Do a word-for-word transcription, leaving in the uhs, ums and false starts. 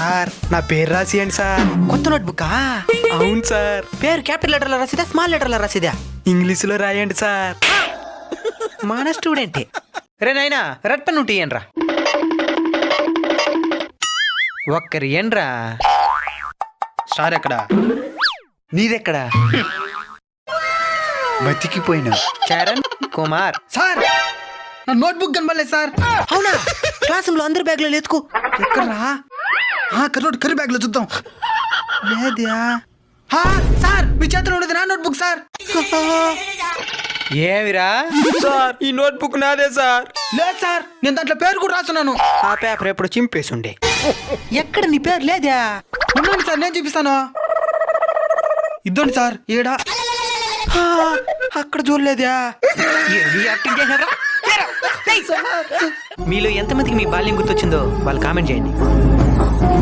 Sir నా పేరు రాసియండి సార్. కొత్త నోట్బుక్. అవును సార్. పేరు క్యాపిటల్ లెటర్లో రాసిదా స్మాల్ లెటర్లో రాసిదా? ఇంగ్లీషులో రాయండి సార్. మన స్టూడెంటే. రే నాయనా రెడ్ పెన్ ఉంటే ఇయ్యండ్రా. ఒక్కరి ఏండ్రా. సార్ ఎక్కడ? నీదెక్కడా? బతికిపోయినా. చరణ్ కుమార్. సార్ నా నోట్బుక్ కనబడలేదు సార్. అవునా? క్లాస్ రూమ్ లో అందరి బ్యాగ్ లో లేతుకు. ఎక్కడ్రా? కర్రోడ్ కర్రీ బ్యాగ్ లో చూద్దాం. లేద్యా? సార్ మీ చేతిలో ఉండేది నా నోట్బుక్ సార్. ఏమిరా? సార్ ఈ నోట్బుక్ నాదే సార్. లేదు సార్ నేను దాంట్లో పేరు కూడా రాస్తున్నాను. ఆ పేపర్ ఎప్పుడు చింపేసుండే. ఎక్కడ నీ పేరు లేదా? ఉండండి సార్ నేను చూపిస్తాను. ఇద్దండి సార్. ఏడా? అక్కడ చూడలేదా? ఏమి యాక్టింగ్ చేశారా? మీలో ఎంతమందికి మీ బాల్యం గుర్తొచ్చిందో వాళ్ళు కామెంట్ చేయండి.